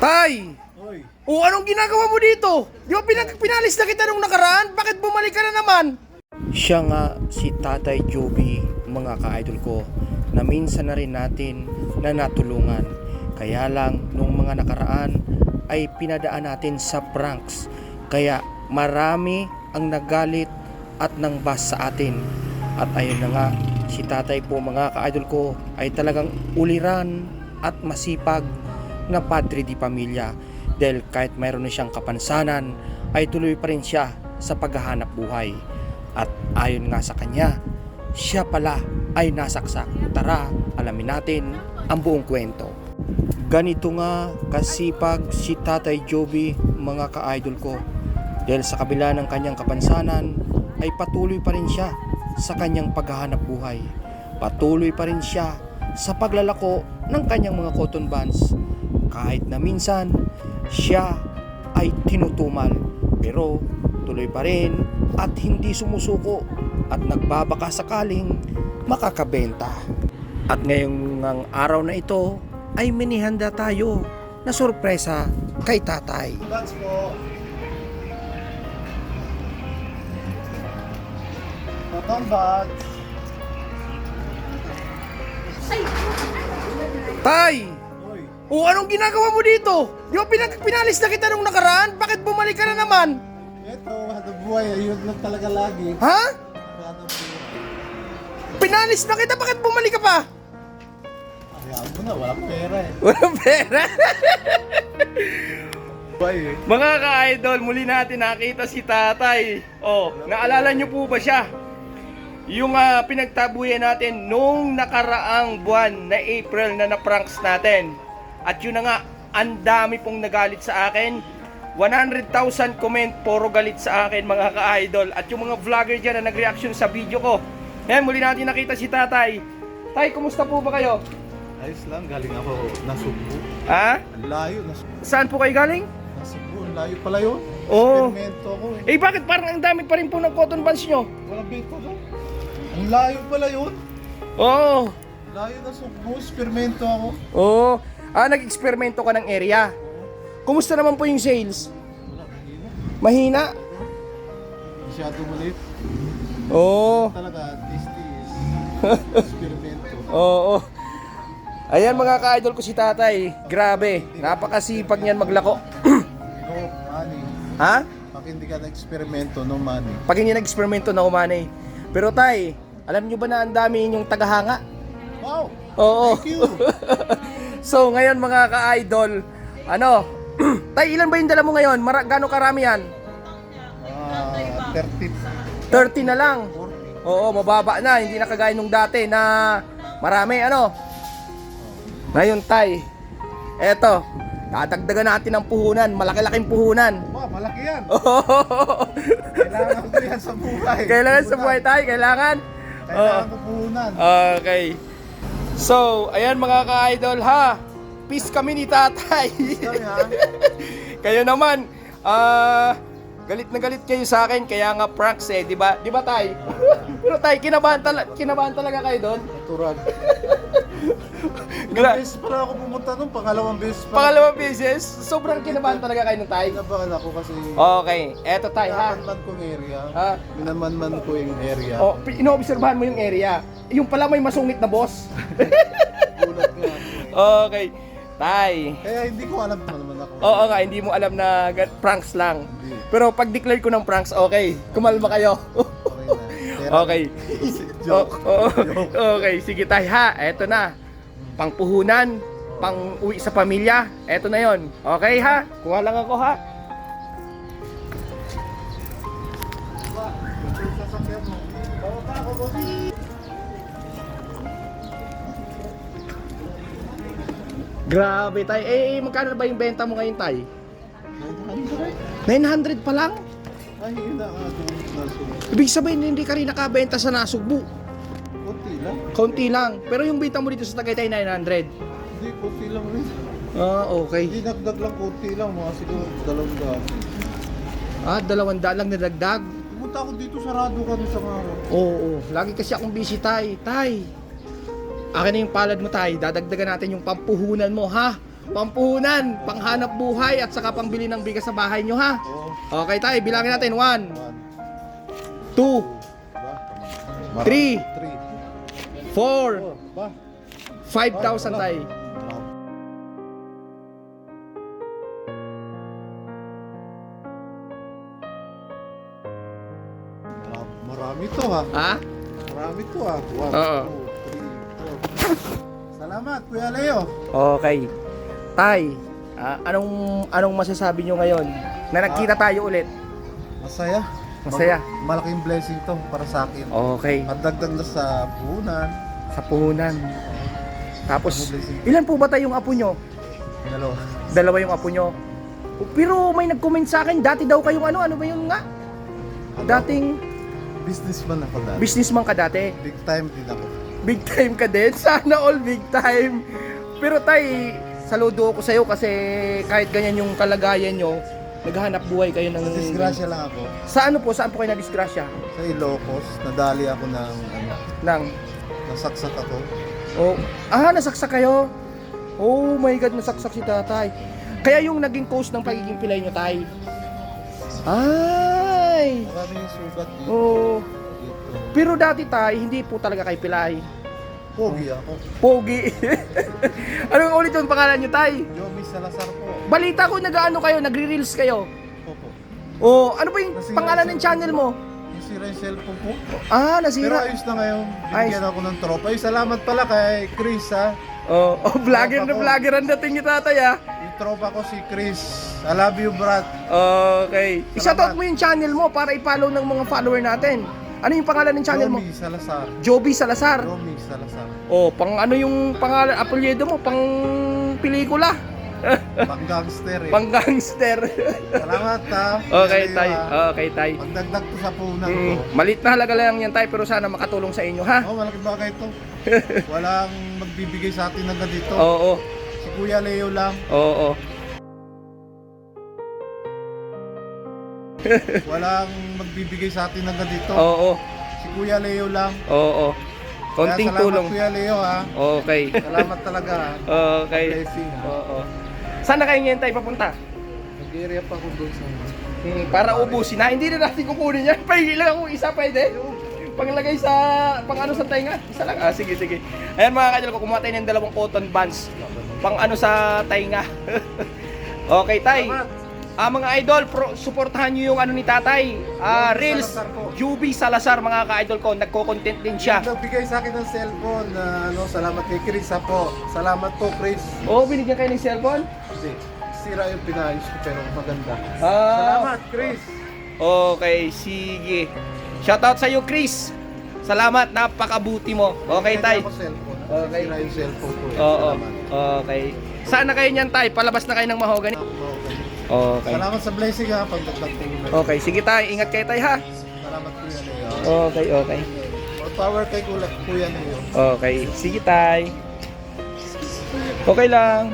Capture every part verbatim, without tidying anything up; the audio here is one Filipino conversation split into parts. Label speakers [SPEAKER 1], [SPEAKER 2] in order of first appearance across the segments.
[SPEAKER 1] Tay!
[SPEAKER 2] Oy,
[SPEAKER 1] O anong ginagawa mo dito? Di ba pinag pinalis na kita nung nakaraan? Bakit bumalik ka na naman? Siya nga si Tatay Joby, mga ka-idol ko, na minsan na rin natin na natulungan. Kaya lang nung mga nakaraan ay pinadaan natin sa pranks. Kaya marami ang nagalit at nangbas sa atin. At ayun na nga, si Tatay po, mga ka-idol ko, ay talagang uliran at masipag na padre di pamilya, dahil kahit mayroon na siyang kapansanan ay tuloy pa rin siya sa paghahanap buhay. At ayon nga sa kanya, siya pala ay nasaksak. Tara, alamin natin ang buong kwento. Ganito nga kasipag si Tatay Joby, mga ka-idol ko, dahil sa kabila ng kanyang kapansanan ay patuloy pa rin siya sa kanyang paghahanap buhay. Patuloy pa rin siya sa paglalako ng kanyang mga cotton buns. Kahit na minsan siya ay tinutumal, pero tuloy pa rin at hindi sumusuko at nagbabaka sakaling makakabenta. At ngayong ng araw na ito ay minihanda tayo na sorpresa kay Tatay.
[SPEAKER 2] congrats po. Cotton buds.
[SPEAKER 1] Tay!
[SPEAKER 2] Oy,
[SPEAKER 1] O anong ginagawa mo dito? Di ba pinag pinalis na kita nung nakaraan? Bakit bumalik ka na naman?
[SPEAKER 2] eto, hanap buhay. Ayun lang talaga lagi.
[SPEAKER 1] Ha?
[SPEAKER 2] Hanap buhay.
[SPEAKER 1] Pinalis na kita, bakit bumalik ka pa?
[SPEAKER 2] Hayaan mo na, walang pera eh.
[SPEAKER 1] Walang pera.
[SPEAKER 2] Buhay eh.
[SPEAKER 1] Mga ka-idol, muli natin nakita si Tatay. Oh, naalala niyo po ba siya? Yung uh, pinagtabuyan natin nung nakaraang buwan na April na na-pranks natin. At yun na nga, ang dami pong nagalit sa akin. one hundred thousand comment, puro galit sa akin, mga ka-idol. At yung mga vlogger dyan na nag-reaction sa video ko. Ayan, muli natin nakita si Tatay. Tay, kumusta po ba kayo?
[SPEAKER 2] Ayos lang, galing ako Nasugbu.
[SPEAKER 1] Ha?
[SPEAKER 2] Ang layo, Nasugbu.
[SPEAKER 1] Saan po kayo galing?
[SPEAKER 2] Nasugbu, ang layo pala yun.
[SPEAKER 1] Oo.
[SPEAKER 2] Experimento ako eh.
[SPEAKER 1] Eh bakit parang ang dami pa rin po ng cotton buns nyo?
[SPEAKER 2] Walang bento doon. Ang layo pala yun.
[SPEAKER 1] Oo.
[SPEAKER 2] Layo na Sugbu, experimento ako.
[SPEAKER 1] Oo. Ah, nag-eksperimento ka ng area. Kumusta naman po yung sales?
[SPEAKER 2] Wala, hindi na.
[SPEAKER 1] Mahina?
[SPEAKER 2] Masyado maliit.
[SPEAKER 1] Oo.
[SPEAKER 2] Talaga, tasty is experimento.
[SPEAKER 1] Oo. Ayan mga ka-idol ko si Tatay. Grabe. Napakasipag niyan maglako.
[SPEAKER 2] No money.
[SPEAKER 1] Ha?
[SPEAKER 2] Pag hindi ka na-experimento, no money.
[SPEAKER 1] Pag hindi nag-eksperimento na umanay. Pero Tay, alam nyo ba na ang dami inyong tagahanga?
[SPEAKER 2] Wow!
[SPEAKER 1] Oo.
[SPEAKER 2] Thank you!
[SPEAKER 1] So ngayon mga ka-idol, ano? Tay, ilan ba yung dala mo ngayon? Mara- Gano'ng karami yan?
[SPEAKER 2] Ah, thirty,
[SPEAKER 1] thirty na lang.
[SPEAKER 2] forty.
[SPEAKER 1] Oo, mababa na. Hindi na kagaya nung dati na marami, ano? Ngayon, Tay, eto, dadagdagan natin ng puhunan. Malaki-laking puhunan.
[SPEAKER 2] Wow, malaki yan!
[SPEAKER 1] Oo.
[SPEAKER 2] Kailangan ko yan sa buhay.
[SPEAKER 1] Kailangan sa buhay, Tay. Kailangan.
[SPEAKER 2] Kailangan ko puhunan.
[SPEAKER 1] Okay. So, ayan mga ka-idol, ha? Peace kami ni Tatay.
[SPEAKER 2] Kami ha?
[SPEAKER 1] Kayo naman, ah... galit na galit kayo sa akin, kaya nga pranks eh, di ba? Di ba, Tay? Pero Tay, kinabahan, tala- kinabahan talaga kayo doon?
[SPEAKER 2] Natural.
[SPEAKER 1] Gra-
[SPEAKER 2] Ilang beses pala ako pumunta nung pangalawang beses pa.
[SPEAKER 1] Pangalawang beses, sobrang kinabahan talaga kayo ng Tay.
[SPEAKER 2] Kinabahan ako kasi
[SPEAKER 1] Okay, eto Tay, ha?
[SPEAKER 2] minamanman ko yung area.
[SPEAKER 1] Ha?
[SPEAKER 2] Minamanman ko yung area.
[SPEAKER 1] O, pi- inoobserbahan mo yung area. Yung pala may masungit na boss.
[SPEAKER 2] Gulat nga ako eh.
[SPEAKER 1] Okay, Tay.
[SPEAKER 2] Kaya hindi ko alam pa naman ako.
[SPEAKER 1] Oo nga, hindi mo alam na ga- pranks lang.
[SPEAKER 2] Hindi.
[SPEAKER 1] Pero pag declare ko ng pranks, okay. Kumalma kayo.
[SPEAKER 2] Okay na. Pero-
[SPEAKER 1] Okay.
[SPEAKER 2] Joke.
[SPEAKER 1] O- o- okay, sige Tay, ha. Eto na. Pangpuhunan, pang uwi sa pamilya. Eto na yon. Okay ha? Kuha lang ako ha.
[SPEAKER 2] Sasakyan mo. Bawa pa ako, boss.
[SPEAKER 1] Grabe Tay. Eh, eh, magkano na ba yung benta mo ngayon Tay?
[SPEAKER 2] nine hundred.
[SPEAKER 1] nine hundred pa lang?
[SPEAKER 2] Ay, yun na nga doon nasulit.
[SPEAKER 1] Ibig sabihin, hindi ka rin nakabenta sa Nasugbu.
[SPEAKER 2] Kunti lang.
[SPEAKER 1] Kaunti lang. Pero yung benta mo dito sa Tagaytay, nine hundred.
[SPEAKER 2] Hindi, kunti lang rin.
[SPEAKER 1] Ah, okay.
[SPEAKER 2] Hindi nagdag lang kunti lang. Mga siguro dalawang daan.
[SPEAKER 1] Ah, dalawang daan lang nadagdag.
[SPEAKER 2] Pumunta ako dito sa Rado ka sa araw.
[SPEAKER 1] Oo, oo. Lagi kasi akong busy, Tay. Tay, akin na yung palad mo, Tay. Dadagdagan natin yung pampuhunan mo, ha? pampuhunan, panghanap buhay at saka pangbili ng bigas sa bahay nyo ha.
[SPEAKER 2] Oo.
[SPEAKER 1] Okay tay, bilangin natin. one,
[SPEAKER 2] One,
[SPEAKER 1] two,
[SPEAKER 2] ba?
[SPEAKER 1] Three.
[SPEAKER 2] Three.
[SPEAKER 1] four,
[SPEAKER 2] Four, ba?
[SPEAKER 1] five thousand tay.
[SPEAKER 2] Grabe, marami to ha.
[SPEAKER 1] Ha?
[SPEAKER 2] Marami to ha. One,
[SPEAKER 1] Oo.
[SPEAKER 2] two, three, four. Salamat, Kuya Leo.
[SPEAKER 1] Okay. Tay, ah, anong anong masasabi nyo ngayon na nagkita tayo ulit?
[SPEAKER 2] Masaya.
[SPEAKER 1] Masaya.
[SPEAKER 2] Mag- malaking blessing to para sa akin.
[SPEAKER 1] Okay.
[SPEAKER 2] At dagdag na sa puhunan.
[SPEAKER 1] Sa puhunan. Tapos, ilan po ba tayong apo nyo?
[SPEAKER 2] Dalawa.
[SPEAKER 1] Dalawa yung apo nyo. Pero may nag-comment sa akin, dati daw kayong ano, ano ba yun nga?
[SPEAKER 2] Ano?
[SPEAKER 1] Dating
[SPEAKER 2] Businessman ako dati.
[SPEAKER 1] businessman ka dati.
[SPEAKER 2] Big time din ako.
[SPEAKER 1] Big time ka din. Sana all big time. Pero tay, saludo ako sa'yo kasi kahit ganyan yung kalagayan nyo, naghahanap buhay kayo ng...
[SPEAKER 2] Disgrasya lang ako.
[SPEAKER 1] Sa ano po? Saan po kayo na-disgrasya?
[SPEAKER 2] Sa Ilocos, nadali ako ng ano,
[SPEAKER 1] Nang...
[SPEAKER 2] nasaksak ako.
[SPEAKER 1] Oh, ah, nasaksak kayo? Oh my God, nasaksak si tatay. Kaya yung naging cause ng pagiging pilay nyo, tay. Ay!
[SPEAKER 2] Marami yung sugat dito.
[SPEAKER 1] Oh.
[SPEAKER 2] dito.
[SPEAKER 1] Pero dati tay, hindi po talaga kay pilay.
[SPEAKER 2] Pogi ako.
[SPEAKER 1] Pogi. Anong ulit yung pangalan nyo, tay?
[SPEAKER 2] Yomi Salazar po.
[SPEAKER 1] Balita ko, nag-ano kayo, nagre-reels kayo.
[SPEAKER 2] Opo.
[SPEAKER 1] Oh, ano ba yung
[SPEAKER 2] Nasira
[SPEAKER 1] pangalan
[SPEAKER 2] yung
[SPEAKER 1] ng channel mo?
[SPEAKER 2] Nasira yung cellphone ko.
[SPEAKER 1] Ah,
[SPEAKER 2] Pero
[SPEAKER 1] nasira.
[SPEAKER 2] ayos na ngayon.
[SPEAKER 1] Ayos.
[SPEAKER 2] Binigyan ako ng tropa. Ay, salamat pala kay Chris ha.
[SPEAKER 1] Oh, oh vlogger na
[SPEAKER 2] Tropa ko.
[SPEAKER 1] vlogger ang dating ni tatay ah.
[SPEAKER 2] Yung tropa ko si Chris. I love you, Brad.
[SPEAKER 1] Okay. I-shoutout mo yung channel mo para i-follow ng mga follower natin. Ano yung pangalan ng channel mo?
[SPEAKER 2] Yomi Salazar.
[SPEAKER 1] Joby Salazar.
[SPEAKER 2] Yomi Salazar.
[SPEAKER 1] Oh, pang ano yung pangalan, apelyido mo? Pang pelikula.
[SPEAKER 2] Pang gangster eh.
[SPEAKER 1] Pang gangster.
[SPEAKER 2] Salamat ha.
[SPEAKER 1] Okay,
[SPEAKER 2] Kuya
[SPEAKER 1] tay.
[SPEAKER 2] Leo, ha.
[SPEAKER 1] Okay, tay.
[SPEAKER 2] Pagdagdag to sa punan
[SPEAKER 1] Mm,
[SPEAKER 2] ko.
[SPEAKER 1] malit na halaga lang yan, tay, pero sana makatulong sa inyo, ha?
[SPEAKER 2] Oh, malaking bagay to. Walang magbibigay sa atin ng ganito.
[SPEAKER 1] Oo.
[SPEAKER 2] Si Kuya Leo lang.
[SPEAKER 1] Oo.
[SPEAKER 2] Walang magbibigay sa atin ng ganito.
[SPEAKER 1] Oo.
[SPEAKER 2] Si Kuya Leo lang.
[SPEAKER 1] Oo. Konting
[SPEAKER 2] Kaya salamat,
[SPEAKER 1] tulong.
[SPEAKER 2] Kuya Leo ha.
[SPEAKER 1] Okay.
[SPEAKER 2] Salamat talaga ha.
[SPEAKER 1] Okay.
[SPEAKER 2] Blessing ha.
[SPEAKER 1] Oo. Saan na kayo ngayon tayo papunta?
[SPEAKER 2] Nag-area pa ako doon sa...
[SPEAKER 1] Hmm, para ubusin na. Hindi na natin kukunin yan. Pahingi lang ako isa, pwede? Panglagay sa, pang ano sa tainga? Isa lang. Ah, sige, sige. Ayan mga kajal ko, kumuha tayo ng dalawang cotton bands. Pang ano sa tainga. Okay, tay. Ah, mga idol, pro, suportahan nyo yung ano ni tatay. Ah, Reels,
[SPEAKER 2] Salazar po.
[SPEAKER 1] Juby Salazar, mga ka-idol ko. Nagko-content din siya.
[SPEAKER 2] Nagbigay sa akin ng cellphone na ano, salamat kay Chris ha po. Salamat po, Chris.
[SPEAKER 1] Oo, oh, binigyan kayo ng cellphone?
[SPEAKER 2] Kasi sira yung pinayos ko pero maganda.
[SPEAKER 1] Ah,
[SPEAKER 2] Salamat, Chris.
[SPEAKER 1] Okay, sige. Shoutout sa iyo, Chris. Salamat, napakabuti mo. Okay, tay.
[SPEAKER 2] Ako cellphone.
[SPEAKER 1] Okay.
[SPEAKER 2] Sira yung cellphone ko. eh.
[SPEAKER 1] Oo.
[SPEAKER 2] Salamat.
[SPEAKER 1] Okay. Saan na kayo niyan, tay? Palabas na kayo ng mahogany.
[SPEAKER 2] Okay.
[SPEAKER 1] Okay.
[SPEAKER 2] Salamat sa blessing ha, pagdagdag ko na.
[SPEAKER 1] Okay, sige tay. Ingat kayo, tay, ha?
[SPEAKER 2] Salamat Kuya Leo.
[SPEAKER 1] Okay, okay.
[SPEAKER 2] More power kay Kuya Kuya Leo.
[SPEAKER 1] Okay, sige, tay. Okay lang.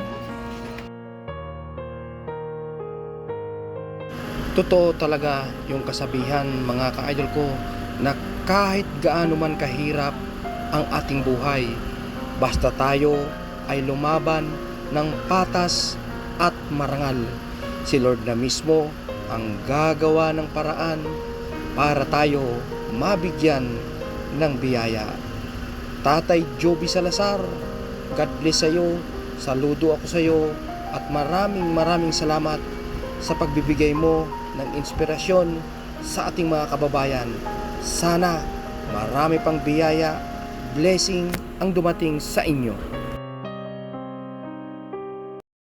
[SPEAKER 1] Totoo talaga yung kasabihan, mga ka-idol ko, na kahit gaano man kahirap ang ating buhay, basta tayo ay lumaban ng patas at marangal. Si Lord na mismo ang gagawa ng paraan para tayo mabigyan ng biyaya. Tatay Joby Salazar, God bless sa iyo. Saludo ako sa iyo at maraming maraming salamat sa pagbibigay mo ng inspirasyon sa ating mga kababayan. Sana marami pang biyaya, blessing ang dumating sa inyo.